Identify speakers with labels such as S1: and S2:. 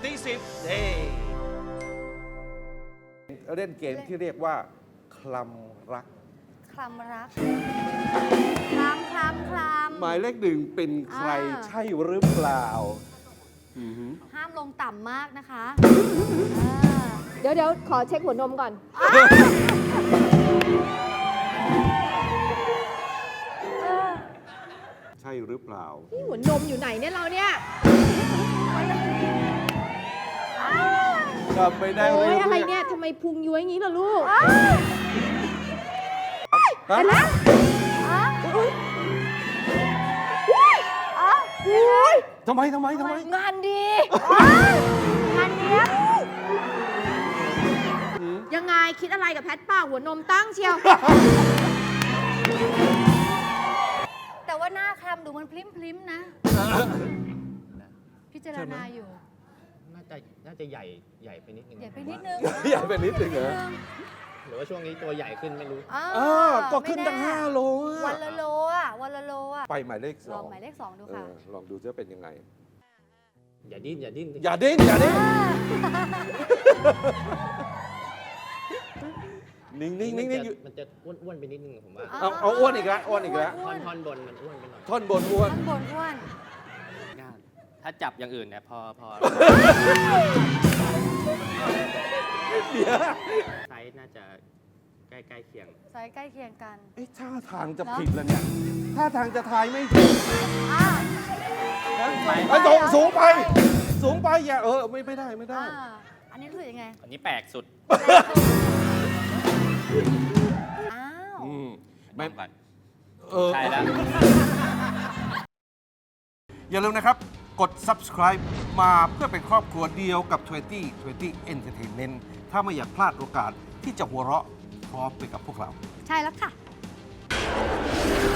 S1: ที่10
S2: เล่นเกมที่เรียกว่าคลำรัก
S3: คลำรักคลำ
S2: หมายเลขหนึ่งเป็นใครใช่หรือเปล่า
S3: ห้ามลงต่ำมากนะคะ
S4: เดี๋ยวขอเช็คหัวนมก่อน
S2: ใช่หรือเปล่า
S4: นี่หัวนมอยู่ไหนเนี่ยเราเนี่ย
S2: จำไม่ได้
S4: โอ้ย
S2: ๆ
S4: อะไรเนี่ยทำไมพุงย้วยงี้ล่ะลูก
S2: ฮะ ทำไม
S3: งานดีงานเนี้ย
S4: ยังไงคิดอะไรกับแพทป้าหัวนมตั้งเชียว
S3: แต่ว่าหน้าคลำดูมันพลิ้มๆนะ พิจารณาอยู่
S5: น่าจะใหญ่ไปนิดนึง
S3: ใหญ่ไปนิดนึง
S2: ใหญ่ไปนิดนึงเหรอ
S5: หรือว่าช่วงนี้ตัวใหญ่ขึ้นไม่รู้
S2: ก็ขึ้นตั้ง5 โล
S3: วันละโลวันละโล
S2: ไปหมายเลข
S3: ลองหมายเลข 2 ดูค่ะ
S2: ลองดูจะเป็นยังไง
S5: อย่าดิ้น
S2: อย่าดิ้นนิ่งอยู่
S5: มันจะอ้วนไปนิดนึงผมว่า
S2: เอาอ้วนอีกแล้ว
S5: ท่อนบนมันอ้วนไปหน่อย
S2: ท่อนบนอ้วน
S3: ข้างบนอ้วน
S5: ถ้าจับอย่างอื่นเนี่ยพอ
S2: เดี๋ยว
S5: ไซส์น่าจะใกล้เคียง
S3: ไซส์ใกล้เคียงกัน
S2: ท่าทางจะผิดแล้วเนี่ยท่าทางจะทายไม่ถูกสูงไปอย่าไม่ได้
S3: อันนี้รู้สึกยังไง
S5: อันนี้แปลกสุด
S3: อ้าว
S5: ไม่ก่อน
S2: ใช่
S5: ใช่แล้ว
S2: อย่าลืมนะครับ กด subscribe มาเพื่อเป็นครอบครัวเดียวกับ 20 Entertainment ถ้าไม่อยากพลาดโอกาสที่จะหัวเราะพร้อมไปกับพวกเรา
S3: ใช่แล้วค่ะ